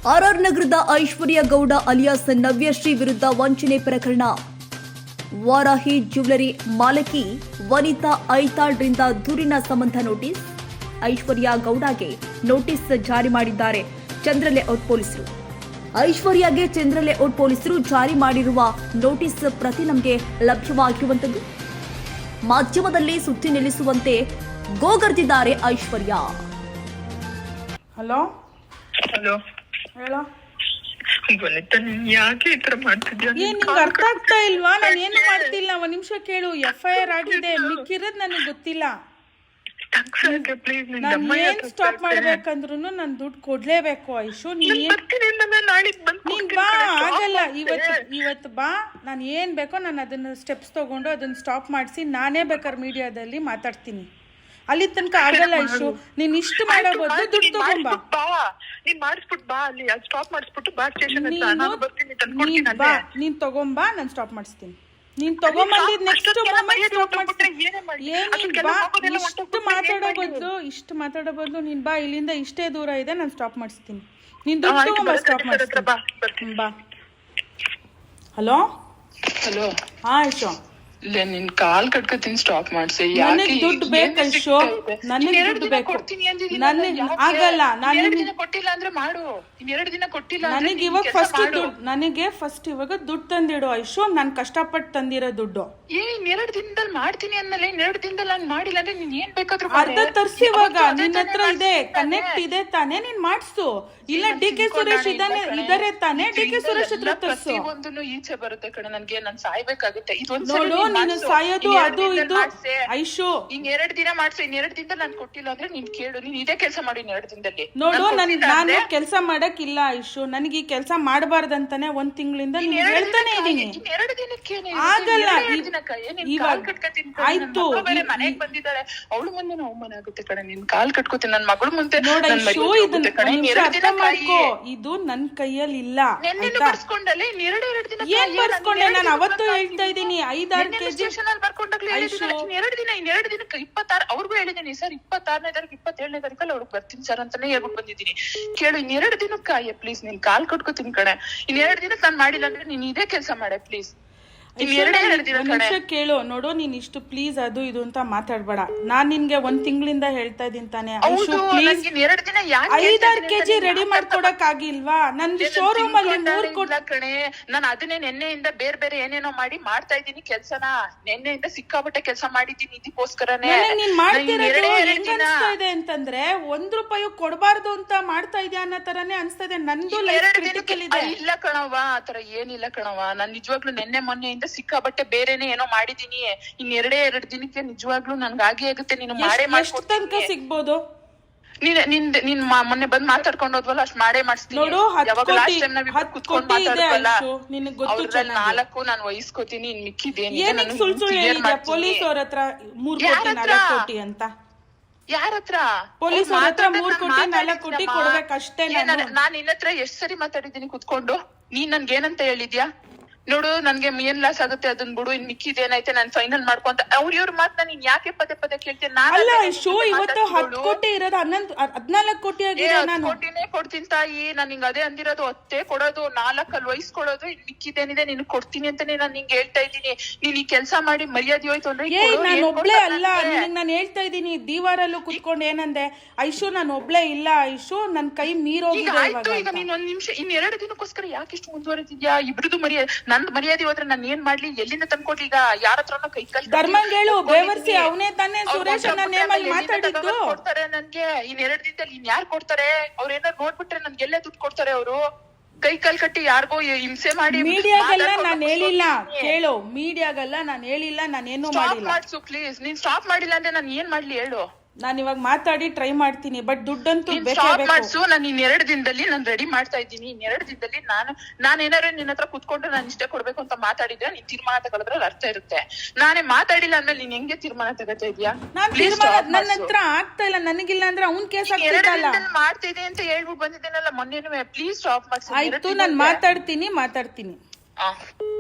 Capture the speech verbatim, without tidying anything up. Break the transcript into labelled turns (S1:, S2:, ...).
S1: R R ನಗರದ ಐಶ್ವರ್ಯ Gowda alias Navyashree ವಿರುದ್ಧ ವಂಚನೆ ಪ್ರಕರಣ. ವಾರಾಹಿ ಜ್ಯುವೆಲರಿ ಮಾಲಕಿ ವನಿತಾ ಐತಾಳ್ರಿಂದ ದೂರಿನ ಸಂಬಂಧ ನೋಟಿಸ್. ಐಶ್ವರ್ಯ ಗೌಡಗೆ ನೋಟಿಸ್ ಜಾರಿ ಮಾಡಿದ್ದಾರೆ ಚಂದ್ರಲೇಔಟ್ ಪೊಲೀಸರು. ಐಶ್ವರ್ಯಗೆ ಚಂದ್ರಲೇಔಟ್ ಪೊಲೀಸರು ಜಾರಿ ಮಾಡಿರುವ ನೋಟಿಸ್ ಪ್ರತಿ ನಮಗೆ ಲಭ್ಯವಾಗಿರುವಂತದ್ದು. ಮಾಧ್ಯಮದಲ್ಲಿ ಸುದ್ದಿ ನಿಲ್ಲಿಸುವಂತೆ ಗೋಗರ್ದಿದ್ದಾರೆ ಐಶ್ವರ್ಯ.
S2: ಹಲೋ
S3: ಹಲೋ
S2: ಹೇಳೋ.
S3: ವನಿತಾ, ನೀನ್ ಯಾಕೆ ಈ ತರ ಮಾಡ್ತಿದ್ಯಾ?
S2: ಏನ್ ನಿಂಗೆ ಅರ್ಥ ಆಗ್ತಾ ಇಲ್ವಾ? ನಾನು ಏನು ಮಾಡ್ತಿಲ್ಲ. ಒಂದ್ ನಿಮಿಷ ಕೇಳು. ಎಫ್ ಐ ಆರ್ ಆಗಿದೆ, ಮಿಕ್ಕಿರೋದ್ ನನಗೆ ಗೊತ್ತಿಲ್ಲ. ನಾನು ಏನ್ ಸ್ಟಾಪ್ ಮಾಡ್ಬೇಕಂದ್ರು ನಾನು ದುಡ್ಡು ಕೊಡ್ಲೇಬೇಕು. ಐಶು ನೀನ್ ನೀನ್ ಬಾ, ಆಗಲ್ಲ. ಇವತ್ತು ಇವತ್ತು ಬಾ, ನಾನು ಏನ್ ಬೇಕೋ ನಾನು ಅದನ್ನ ಸ್ಟೆಪ್ಸ್ ತಗೊಂಡು ಅದನ್ನ ಸ್ಟಾಪ್ ಮಾಡಿಸಿ ನಾನೇ ಬೇಕಾದ್ರೆ ಮೀಡಿಯಾದಲ್ಲಿ ಮಾತಾಡ್ತೀನಿ. ಅಲ್ಲಿ ತನಕ ಆಗಲ್ಲ ಐಶು. ನೀನ್ ಇಷ್ಟು ಮಾಡೋ ಬದಲು ದುಡ್ಡು ತಗೊಂಬಾ.
S3: ನೀನ್ ಮಾಡಿಸ್ಬಿಟ್ಟು ಬಾ, ಅಲ್ಲಿ ಸ್ಟಾಪ್ ಮಾಡಿಸ್ಬಿಟ್ಟು ಬಾ ಸ್ಟೇಷನ್ ಹತ್ರ. ನಾನು ಬರ್ತೀನಿ,
S2: ನೀನ್ ಬಾ, ನೀನ್ ತಗೊಂಬಾ, ನಾನು ಸ್ಟಾಪ್ ಮಾಡಿಸ್ತೀನಿ. ನೀನ್ ತಗೊಂಬಂದಿ ನೆಕ್ಸ್ಟ್ ಮೂಮೆಂಟ್ ಸ್ಟಾಪ್ ಮಾಡಿಸ್ತೀನಿ. ಏನ್ ನೀನ್ ಬಾ, ಇಷ್ಟು ಮಾತಾಡೋ ಬದಲು ಇಷ್ಟು ಮಾತಾಡೋ ಬದಲು ನೀನ್ ಬಾ, ಇಲ್ಲಿಂದ ಇಷ್ಟೇ ದೂರ ಇದೆ, ನಾನು ಸ್ಟಾಪ್ ಮಾಡಿಸ್ತೀನಿ. ನೀನ್ ದುಡ್ಡು ತಗೊಂಬಾ, ಸ್ಟಾಪ್ ಮಾಡಿಸ್ತೀನಿ. ಬಾ. Hello
S3: hello.
S2: ಹಾ ಐಶು,
S3: ಇಲ್ಲ ನಿನ್ ಕಾಲ್ ಕಟ್ಕೋತೀನಿ, ಸ್ಟಾಪ್ ಮಾಡ್ಸಿ.
S2: ನನಗ್ ದುಡ್ಡು ಬೇಕು ಐಶು, ನನಗೆ ದುಡ್ಡು ಬೇಕು. ನನಗೆ ಆಗಲ್ಲ. ನಾನು
S3: ಕೊಟ್ಟಿಲ್ಲ ಅಂದ್ರೆ ಮಾಡು. ಇನ್ ಎರಡು ದಿನ ಕೊಟ್ಟಿಲ್ಲ
S2: ನನಗೆ ಇವಾಗ ಫಸ್ಟ್ ದುಡ್ಡು, ನನಗೆ ಫಸ್ಟ್ ಇವಾಗ ದುಡ್ಡು ತಂದಿಡು ಐಶು. ನಾನು ಕಷ್ಟಪಟ್ಟು ತಂದಿರೋ ದುಡ್ಡು.
S3: ಏ ಇನ್ನೆರಡು ದಿನದಲ್ಲಿ ಮಾಡ್ತೀನಿ ಅನ್ನಲ್ಲ. ಇನ್ನೆರಡು ದಿನದಲ್ಲಿ ನಾನು ಮಾಡಿಲ್ಲ ಅಂದ್ರೆ ನೀನ್ ಏನ್ ಬೇಕಾದ್ರೂ
S2: ಅರ್ಧ ತರ್ಸಿ. ಇವಾಗ ನಿನ್ನ ಹತ್ರ ಇದೆ, ಕನೆಕ್ಟ್ ಇದೆ ತಾನೇ, ನೀನ್ ಮಾಡ್ಸು. ಇಲ್ಲ ಡಿ ಕೆ ಸುರೇಶ್ ಇದಾನೆ ಇದಾರೆ ತಾನೇ, ಡಿ ಕೆ ಸುರೇಶ್ ಹತ್ರ ತರ್ಸು.
S3: ಒಂದು ಈಚೆ ಬರುತ್ತೆ ಕಡೆ. ನನ್ಗೆ ನಾನ್ ಸಾಯ್ಬೇಕಾಗುತ್ತೆ.
S2: ನೋಡು, ನೀನು ಸಾಯೋದು ಅದು ಇದು ಐಶು.
S3: ಇನ್ ಎರಡ್ ದಿನ ಮಾಡ್ಸು. ಇನ್ ಎರಡ್ ದಿನದಲ್ಲಿ ನಾನು ಕೊಟ್ಟಿಲ್ಲ ಅಂದ್ರೆ ನೀನ್ ಕೇಳು. ನೀನ್ ಇದೇ ಕೆಲಸ ಮಾಡಿ ಇನ್ ಎರಡು ದಿನದಲ್ಲಿ.
S2: ನೋಡು, ನನ್ ನಾನು ಕೆಲಸ ಮಾಡಕ್ಕಿಲ್ಲ ಐಶು. ನನಗೆ ಈ ಕೆಲಸ ಮಾಡಬಾರ್ದಂತಾನೆ ಒಂದ್ ತಿಂಗಳಿಂದ ಹೇಳ್ತಾನೆ ಇದೀನಿ.
S3: ಎರಡು ದಿನಕ್ಕೆ
S2: ಆಗಲ್ಲ. ಆಯ್ತು,
S3: ಮನೆಗ್ ಬಂದಿದ್ದಾಳೆ, ಅವಳು ಮುಂದೆ ಅವಮಾನ ಆಗುತ್ತೆ ಕಡೆ. ನಿನ್ ಕಾಲ್ ಕಟ್ಕೋತೀನಿ, ನನ್ ಮಗಳು ಮುಂದೆ.
S2: ನೋಡ ಐಶು, ಇದನ್ನ ಅರ್ಥ ಮಾಡ್ಕೋ. ಇದು ನನ್ ಕೈಯಲ್ಲಿ ಇಲ್ಲ.
S3: ಬರ್ಸ್ಕೊಂಡಲ್ಲ ಇನ್ ಎರಡು ಎರಡು ದಿನ.
S2: ಏನ್ ಬರ್ಸ್ಕೊಂಡೆ? ನಾನು ಅವತ್ತು ಹೇಳ್ತಾ ಇದೀನಿ, ಐದಾರು ಕೆಜಿ
S3: ಬರ್ಕೊಂಡಾಗ್ಲೇ ಎರಡು ದಿನ. ಇನ್ ಎರಡು ದಿನಕ್ಕೆ ಇಪ್ಪತ್ತಾರು ಅವ್ರಿಗೂ ಹೇಳಿದೀನಿ ಸರ್, ಇಪ್ಪತ್ತಾರನೇ ತಾರೀಕು ಇಪ್ಪತ್ತೇಳನೇ ತಾರೀಕಲ್ಲಿ ಅವ್ರಿಗೆ ಬರ್ತೀನಿ ಸರ್ ಅಂತಾನೆ ಹೇಳ್ಬಿಟ್ಟು ಬಂದಿದ್ದೀನಿ. ಕೇಳು, ಇನ್ ಎರಡು ದಿನಕ್ಕ ಪ್ಲೀಸ್ ನೀನ್ ಕಾಲ್ ಕಟ್ಕೋತೀನಿ ಕಡೆ. ಇನ್ ಎರಡು ದಿನಕ್ಕೆ ನಾನ್ ಮಾಡಿಲ್ಲ ಅಂದ್ರೆ ನೀನ್ ಇದೇ ಕೆಲಸ ಮಾಡೆ ಪ್ಲೀಸ್.
S2: ನಿಮಿಷ ಕೇಳು. ನೋಡು, ನೀನ್ ಇಷ್ಟು ಪ್ಲೀಸ್ ಅದು ಇದು ಅಂತ ಮಾತಾಡ್ಬೇಡ. ನಾನ್ ನಿನ್ಗೆ ಒಂದ್ ತಿಂಗಳಿಂದ ಹೇಳ್ತಾ ಇದೀನಿ ತಾನೆ ಐಶು, ಪ್ಲೀಸ್ ಐದಾರು ಕೆಜಿ ರೆಡಿ ಮಾಡ್ಕೊಡಕ್ ಆಗಿಲ್ವಾ? ನಂದು ಶೋರೂಮ್ ಅಲ್ಲಿ ಮೂರ್ ಕೊಡ
S3: ಕಣೆ. ನಾನು ಅದನ್ನೇ ನೆನ್ನೆಯಿಂದ ಬೇರೆ ಬೇರೆ ಏನೇನೋ ಮಾಡಿ ಮಾಡ್ತಾ ಇದ್ದೀನಿ ಕೆಲ್ಸನ. ನೆನ್ನೆಯಿಂದ ಸಿಕ್ಕಾಪಟ್ಟೆ ಕೆಲಸ ಮಾಡಿದ್ದೀನಿ ಇದಕ್ಕೋಸ್ಕರನೇ.
S2: ನೀನ್ ಮಾಡ್ತಿರೋದು ಹೆಂಗ್ ಅನ್ಸ್ತಾ ಇದೆ ಅಂತಂದ್ರೆ ಒಂದ್ ರೂಪಾಯಿ ಕೊಡಬಾರ್ದು ಅಂತ ಮಾಡ್ತಾ ಇದೆಯಾ ಅನ್ನೋ ತರಾನೇ ಅನ್ಸ್ತಾ ಇದೆ. ನಂದು ಲೈಫ್ ಕ್ರಿಟಿಕಲ್ ಇದೆ.
S3: ಇಲ್ಲ ಕಣವ, ಆತರ ಏನಿಲ್ಲ ಕಣವ. ನಾನ್ ನಿಜವಾಗ್ಲೂ ನೆನ್ನೆ ಮೊನ್ನೆಯಿಂದ ಸಿಕ್ಕಾಬಟ್ಟೆ ಬೇರೆನೆ ಏನೋ ಮಾಡಿದೀನಿ. ಇನ್ ಎರಡೇ ಎರಡು ದಿನಕ್ಕೆ ನಿಜವಾಗ್ಲೂ ನನ್ಗೆ ಆಗಿ ಆಗುತ್ತೆ. ನೀನು ಮಾಡೇ ಮಾಡ್ಕೊಡ್ತೀನಿ.
S2: ತನಕ ಸಿಗ್ಬೋದು?
S3: ನೀನ್ ನಿನ್ ನಿನ್ ಮೊನ್ನೆ ಬಂದ್ ಮಾತಾಡ್ಕೊಂಡು ಹೋದ್ವಲ್ಲ, ಅಷ್ಟ್ ಮಾಡೇ ಮಾಡಿಸ್ತೀನಿ.
S2: ನೋಡು,
S3: ಯಾವಾಗ ಲಾಸ್ಟ್ ಟೈಮ್ ನಾವ್ ಕುತ್ಕೊಂಡ್ ಮಾತಾಡ್ವಲ್ಲ,
S2: ನಾಲ್ಕು
S3: ನಾನು ವಹಿಸ್ಕೋತೀನಿ. ಇನ್ ಮಿಕ್ಕಿದೇನಿ
S2: ಸುಳ್ಳು ಸುಳ್ಳು ಹೇಳಿದ್ಯಾ ಪೊಲೀಸ್ ಅವ್ರ ಹತ್ರ ಮೂರ್ ಕೋಟಿ ನಾಲ್ಕು ಕೋಟಿ ಅಂತ?
S3: ಯಾರ ಹತ್ರ?
S2: ಪೊಲೀಸ್ ಅವ್ರ ಹತ್ರ ಮೂರ್ ಕೋಟಿ ನಾಲ್ಕು ಕೋಟಿ ಕೊಡ್ಬೇಕಷ್ಟೇ.
S3: ನಾನ್ ನಿನ್ನ ಹತ್ರ ಎಷ್ಟ್ ಸರಿ ಮಾತಾಡಿದ್ದೀನಿ ಕುತ್ಕೊಂಡು. ನೀನ್ ನನ್ಗೆ ಏನಂತ ಹೇಳಿದ್ಯಾ? ನೋಡು, ನನ್ಗೆ ಏನ್ ಲಾಸ್ ಆಗುತ್ತೆ ಅದನ್ ಬಿಡು, ಇನ್ ಮಿಕ್ಕಿದ್ ಏನೈತೆ ನಾನ್ ಫೈನಲ್ ಮಾಡ್ಕೊಂತ ಅವ್ರ ಇವ್ರ ಮಾತ್ ನೀನ್ ಯಾಕೆ ಪದೇ ಪದೇ ಕೇಳ್ತೀನಿ?
S2: ಅಲ್ಲ ಶೋ, ಇವತ್ತು ಹತ್ತು ಕೋಟಿ ಇರೋದು ಹನ್ನೊಂದು ಹದ್ನಾಲ್ಕು ಕೋಟಿ ಆಗಿದೆ. ನಾನು
S3: ಕೋಟಿನೇ ಕೊಡ್ತೀನಿ ತಾಯಿ. ನಾನ್ ನಿಂಗ್ ಅದೇ ಅಂದಿರೋದು. ಹತ್ತೇ ಕೊಡೋದು, ನಾಲ್ಕಲ್ಲಿ ವಹಿಸ್ಕೊಡೋದು, ಇನ್ ಮಿಕ್ಕಿದೇನಿದೆ ನೀನ್ ಕೊಡ್ತೀನಿ ಅಂತಾನೆ ನಾನ್ ನಿಂಗೆ ಹೇಳ್ತಾ ಇದ್ದೀನಿ. ನೀನ್ ಈ ಕೆಲ್ಸ ಮಾಡಿ ಮರ್ಯಾದೆ ಹೋಯ್ತು ಅಂದ್ರೆ
S2: ಏ ನಾನು ಒಬ್ಳೆ ಅಲ್ಲ. ನಿನಗ್ ನಾನು ಹೇಳ್ತಾ ಇದ್ದೀನಿ, ದೀವಾರಲ್ಲೂ ಕುತ್ಕೊಂಡು ಏನಂದೆ ಐಶು, ನಾನು ಒಬ್ಳೆ ಇಲ್ಲ ಐಶು, ನನ್ ಕೈ ಮೀರೋಗಿದೆ.
S3: ಈಗ ನೀನ್ ಒಂದ್ ನಿಮಿಷ, ಇನ್ ಎರಡು ದಿನಕ್ಕೋಸ್ಕರ ಯಾಕೆ ಇಷ್ಟು ಮುಂದುವರೆದಿದ್ಯಾ? ಇಬ್ರದು ಮರ್ಯಾದೆ, ನನ್ ಮರ್ಯಾದೆ ಹೋದ್ರೆ ನಾನು ಏನ್ ಮಾಡ್ಲಿ? ಎಲ್ಲಿಂದ ತಂದ್ಕೊಡ್ಲಿ? ಈಗ ಯಾರ ಹತ್ರನೋ ಕೈ ಕಲ್
S2: ಧರ್ಮಂಗೇಳು ಬೇವರ್ಸಿ ಅವನೇ ತಾನೇ ಸುರೇಶ್ ನೇಮಲ್ಲಿ ಮಾತಾಡಿದ್ದು.
S3: ಕೊಡ್ತಾರೆ ನನ್ಗೆ ಇನ್ ಎರಡ್ ದಿನದಲ್ಲಿ. ಇನ್ ಯಾರು ಕೊಡ್ತಾರೆ? ಅವ್ರ ಏನಾರು ನೋಡ್ಬಿಟ್ರೆ ನನ್ಗೆ ಎಲ್ಲೇ ದುಡ್ಡು ಕೊಡ್ತಾರೆ ಅವರು? ಕೈ ಕಾಲ್ ಕಟ್ಟಿ ಯಾರಿಗೋ ಹಿಂಸೆ ಮಾಡಿ.
S2: ಮೀಡಿಯಾಗೆಲ್ಲ ನಾನ್ ಹೇಳಿಲ್ಲ ಕೇಳು, ಮೀಡಿಯಾಗೆಲ್ಲ ನಾನ್ ಹೇಳಿಲ್ಲ, ನಾನೇನು ಮಾಡಿಲ್ಲ.
S3: ಮಾಡ್ಸು ಪ್ಲೀಸ್. ನೀನ್ ಸ್ಟಾಪ್ ಮಾಡಿಲ್ಲ ಅಂದ್ರೆ ನಾನು ಏನ್ ಮಾಡ್ಲಿ ಹೇಳು?
S2: ನಾನು ಇವಾಗ ಮಾತಾಡಿ ಟ್ರೈ ಮಾಡ್ತೀನಿ, ಬಟ್ ದುಡ್ಡಂತೂ
S3: ಮಾಡ್ಸು. ನಾನು ಇನ್ ಎರಡು ದಿನದಲ್ಲಿ ನಾನು ರೆಡಿ ಮಾಡ್ತಾ ಇದ್ದೀನಿ. ಇನ್ ಎರಡು ದಿನದಲ್ಲಿ ನಾನು ನಾನು ಏನಾರು ನಿನ್ನ ಹತ್ರ ಕುತ್ಕೊಂಡು ನಾನು ಇಷ್ಟೇ ಕೊಡ್ಬೇಕು ಅಂತ ಮಾತಾಡಿದ್ರೆ ನೀನ್ ತೀರ್ಮಾನ ತಗೊಳದ್ರಲ್ಲಿ ಅರ್ಥ ಇರುತ್ತೆ. ನಾನೇ ಮಾತಾಡಿಲ್ಲ ಅಂದ್ಮೇಲೆ ನೀನ್ ಹೆಂಗೆ ತೀರ್ಮಾನ ತಗೋತಾ ಇದೀಯಾ?
S2: ನಾನ್ ತೀರ್ಮಾನ ನನ್ನ ಹತ್ರ ಆಗ್ತಾ ಇಲ್ಲ. ನನಗಿಲ್ಲ ಅಂದ್ರೆ ಅವ್ನ್ ಕೇಸ್ ಆಗ್ತಿಲ್ಲ.
S3: ಮಾಡ್ತಾ ಇದೆ ಅಂತ ಹೇಳ್ಬಿಟ್ಟು ಬಂದಿದ್ದೇನಲ್ಲ ಮೊನ್ನೆ. ಪ್ಲೀಸ್ ಸ್ಟಾಪ್ ಮಾಡ್ಸಿ.
S2: ಆಯ್ತು, ನಾನ್ ಮಾತಾಡ್ತೀನಿ ಮಾತಾಡ್ತೀನಿ
S3: ಆ